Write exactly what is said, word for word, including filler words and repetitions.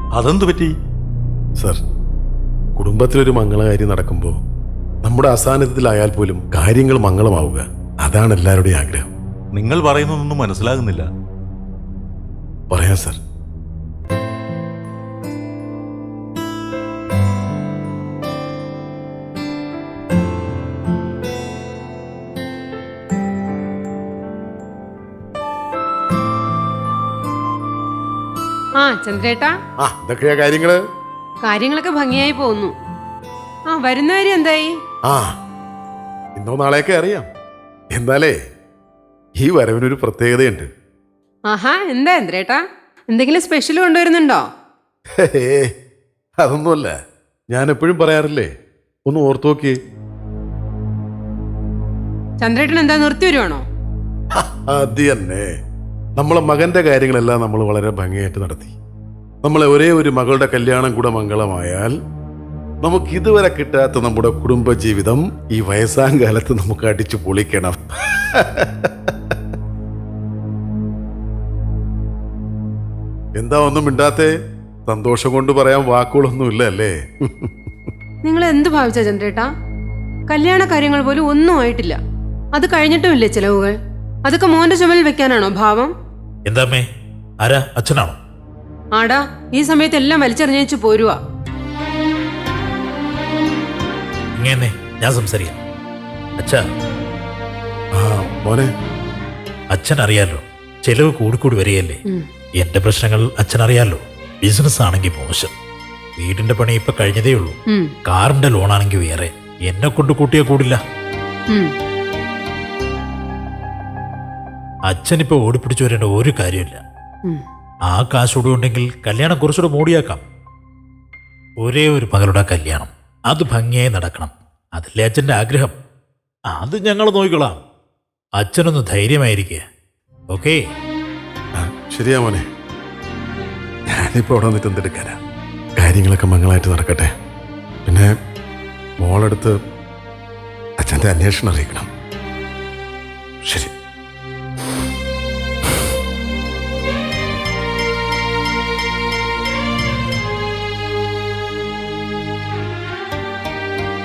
അതെന്തു പറ്റി? സർ, കുടുംബത്തിലൊരു മംഗളകാര്യം നടക്കുമ്പോൾ നമ്മുടെ അസാന്നിധ്യത്തിലായാൽ പോലും കാര്യങ്ങൾ മംഗളമാവുക, അതാണ് എല്ലാവരുടെയും ആഗ്രഹം. നിങ്ങൾ പറയുന്നതൊന്നും മനസ്സിലാകുന്നില്ല. പറയാം സർ. ആ ചന്ദ്രേട്ടാ, ആ ഇതൊക്കെയാ കാര്യങ്ങള്. കാര്യങ്ങളൊക്കെ ഭംഗിയായി പോകുന്നു. ആ വരുന്ന കാര്യം എന്തായി? ആ ഇന്നോ നാളെയൊക്കെ അറിയാം. എന്നാലേ ഈ വരവിനൊരു പ്രത്യേകതയുണ്ട്. ആഹാ, എന്താ ചന്ദ്രേട്ടാ, എന്തെങ്കിലും സ്പെഷ്യൽ കൊണ്ടുവരുന്നുണ്ടോ? ഹേ, അതൊന്നുമല്ല. ഞാൻ എപ്പോഴും പറയാറില്ലേ, ഒന്ന് ഓർത്തു നോക്കി. ചന്ദ്രേട്ടൻ എന്താ നിർത്തി വരുവാണോ? അത് തന്നെ. നമ്മളെ മകന്റെ കാര്യങ്ങളെല്ലാം നമ്മൾ വളരെ ഭംഗിയായിട്ട് നടത്തി. നമ്മളെ ഒരേ ഒരു മകളുടെ കല്യാണം കൂടെ മംഗളമായാൽ നമുക്ക് ഇതുവരെ കിട്ടാത്ത നമ്മുടെ കുടുംബജീവിതം ഈ വയസ്സാം കാലത്ത് നമുക്ക് അടിച്ചു പൊളിക്കണം. എന്താ ഒന്നും മിണ്ടാത്തേ? സന്തോഷം കൊണ്ട് പറയാൻ വാക്കുകളൊന്നുമില്ല അല്ലേ? നിങ്ങൾ എന്ത് ഭാവിച്ച ചന്ദ്രേട്ടാ? കല്യാണ കാര്യങ്ങൾ പോലും ഒന്നും ആയിട്ടില്ല. അത് കഴിഞ്ഞിട്ടുമില്ലേ ചിലവുകൾ? അതൊക്കെ മോന്റെ ചുമലിൽ വെക്കാനാണോ ഭാവം? എന്താമ്മേ, ആരാ? അച്ഛനാണോ? ആടാ, ഈ സമയത്ത് എല്ലാം വലിച്ചെറിഞ്ഞേച്ചു പോരുവാ. ഇങ്ങനെ ഞാൻ സംസാരിക്കാം. അച്ഛാ, ആ മോനെ, അച്ഛൻ അറിയാലോ, ചെലവ് കൂടിക്കൂടി വരികയല്ലേ. എന്റെ പ്രശ്നങ്ങൾ അച്ഛൻ അറിയാലോ. ബിസിനസ് ആണെങ്കിൽ മോശം, വീടിന്റെ പണി ഇപ്പൊ കഴിഞ്ഞതേ ഉള്ളൂ, കാറിന്റെ ലോണാണെങ്കിൽ വേറെ. എന്നെ കൊണ്ട് കൂട്ടിയാ കൂടില്ല. അച്ഛനിപ്പോ ഓടിപ്പിടിച്ചു വരേണ്ട ഒരു കാര്യമില്ല. ആ കാശോടെ ഉണ്ടെങ്കിൽ കല്യാണം കുറച്ചുകൂടെ മൂടിയാക്കാം. ഒരേ ഒരു മകളുടെ കല്യാണം, അത് ഭംഗിയായി നടക്കണം. അതല്ലേ അച്ഛൻ്റെ ആഗ്രഹം. അത് ഞങ്ങൾ നോക്കിക്കൊള്ളാം. അച്ഛനൊന്ന് ധൈര്യമായിരിക്കുക. ഓക്കേ? ശരിയാ മോനെ. ഞാനിപ്പോ അവിടെ വന്നിട്ട് എന്തെടുക്കാനാ? കാര്യങ്ങളൊക്കെ മംഗളമായിട്ട് നടക്കട്ടെ. പിന്നെ മോളെടുത്ത് അച്ഛൻ്റെ അന്വേഷണം അറിയിക്കണം. ശരി.